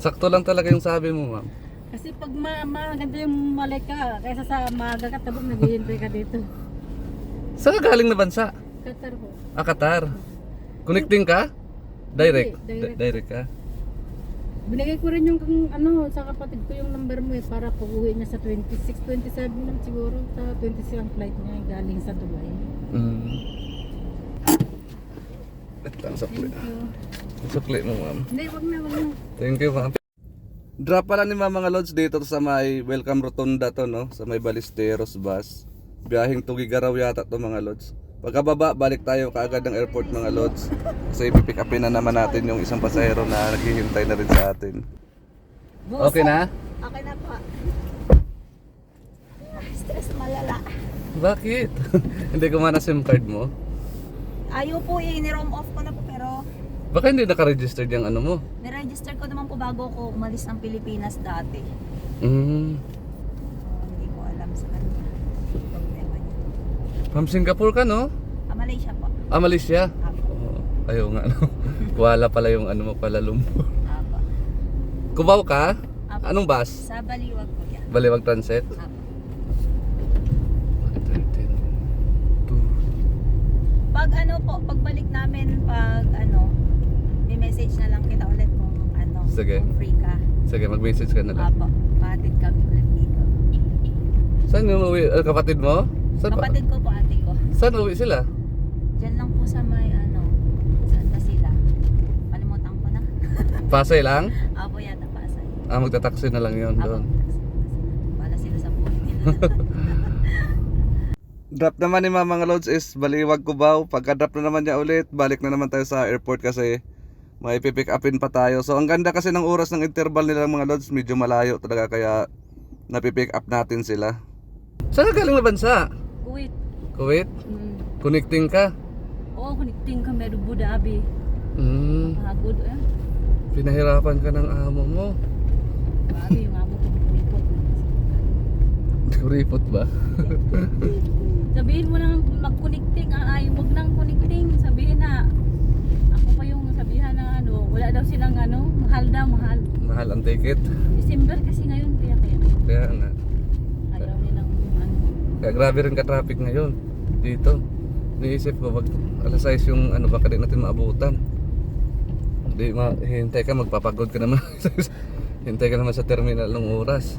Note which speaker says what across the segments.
Speaker 1: Sakto lang talaga yung sabi mo, ma'am.
Speaker 2: Kasi pag maganda yung malika, kaysa sa maaga ka tabog, naghihintay ka dito.
Speaker 1: Saan ka galing na bansa?
Speaker 2: Qatar po.
Speaker 1: Ah, Qatar. Connecting ka? Direct?
Speaker 2: Hindi, direct.
Speaker 1: Direct ka?
Speaker 2: Binigay ko rin yung sa kapatid ko yung number mo para pag-uwi niya sa 26, 27 lang siguro. Sa 26 ang flight niya galing sa Dubai.
Speaker 1: Ito ang sukli.
Speaker 2: Thank you.
Speaker 1: Sukli mo, ma'am.
Speaker 2: Hindi, wag na.
Speaker 1: Thank you, ma'am. Drop pala ni mga lods dito sa may Welcome Rotunda to, no? Sa may Ballesteros bus. Biyaheng Tugigaraw yata to, mga lods. Pagkababa, balik tayo kaagad ng airport, mga lods. Kasi ipipick upin na naman natin yung isang pasahero na naghihintay na rin sa atin. Okay na?
Speaker 3: Okay na po. Stress malala.
Speaker 1: Bakit? Hindi kumana SIM card mo?
Speaker 3: Ayaw po ni-roam off ko na po pero
Speaker 1: Baka hindi naka-registered yung ano mo?
Speaker 3: niregister ko naman po bago ko umalis ng Pilipinas dati. Hindi ko alam sa kanya. Problema niya.
Speaker 1: From Singapore ka, no?
Speaker 3: Malaysia po.
Speaker 1: Ah, Malaysia?
Speaker 3: Apo.
Speaker 1: Ayaw nga, no? Kuala pala yung ano mo pala, Lumpur.
Speaker 3: Apo.
Speaker 1: Cubao ka?
Speaker 3: Apo.
Speaker 1: Anong bus?
Speaker 3: Sa Baliwag po yan.
Speaker 1: Baliwag Transit?
Speaker 3: Apo.
Speaker 1: 13, 2.
Speaker 3: Pag pagbalik namin, may message na lang kita ulit kung
Speaker 1: Sige.
Speaker 3: kung free ka.
Speaker 1: Sige, mag-message ka na lang.
Speaker 3: Apo. Pahatid kami ulit dito.
Speaker 1: Saan yung uwi? Kapatid mo? Saan,
Speaker 3: Kapatid ko po, ate ko.
Speaker 1: saan uwi sila?
Speaker 3: Diyan lang po sa may saan ba sila? Kalimutan ko na.
Speaker 1: Pasay lang?
Speaker 3: Apo yata Pasay.
Speaker 1: Ah, magta-taxi na lang yun
Speaker 3: Apo.
Speaker 1: doon.
Speaker 3: Wala sila sa buhay nila.
Speaker 1: Drop naman ni mga loads is Baliwag, Cubao. Pagka-drop na naman niya ulit, balik na naman tayo sa airport kasi may pipick upin pa tayo. So ang ganda kasi ng oras ng interval nila mga loads, medyo malayo talaga kaya napipick up natin sila. Saan ka galing na bansa?
Speaker 2: Kuwait.
Speaker 1: Kuwait? Connecting ka?
Speaker 2: Oo, connecting kami do Abu Dhabi. Pagod
Speaker 1: Pinahirapan ka ng amo mo.
Speaker 2: Grabe yung amo ko report.
Speaker 1: Kuripot ba?
Speaker 2: Sabihin mo nang mag-connecting, wag nang connecting. Sabihin na ako pa yung sabihan na wala daw silang mahal daw, mahal.
Speaker 1: Mahal ang ticket.
Speaker 2: December kasi ngayon kaya
Speaker 1: Kaya nga.
Speaker 2: ayaw nilang
Speaker 1: Kaya grabe rin ka-traffic ngayon dito. Niisip ko wag alas 6 yung baka di natin maabutan. Hindi hintay ka, magpapagod ka naman. Hintay ka naman sa terminal ng oras.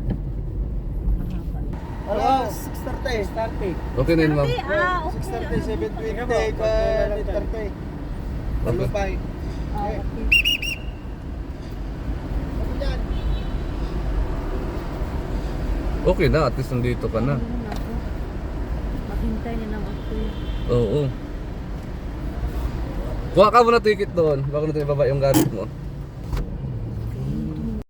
Speaker 4: Alas 6:30.
Speaker 1: Okay na yun, ma'am.
Speaker 3: Okay.
Speaker 4: 6:30, 7:20, ka 8:30. Malupay.
Speaker 2: okay.
Speaker 1: Okay na, at least nandito ka na.
Speaker 2: Maghintay na lang ako.
Speaker 1: Oo. Kuha ka muna ticket doon bago natin ibaba yung gamit mo.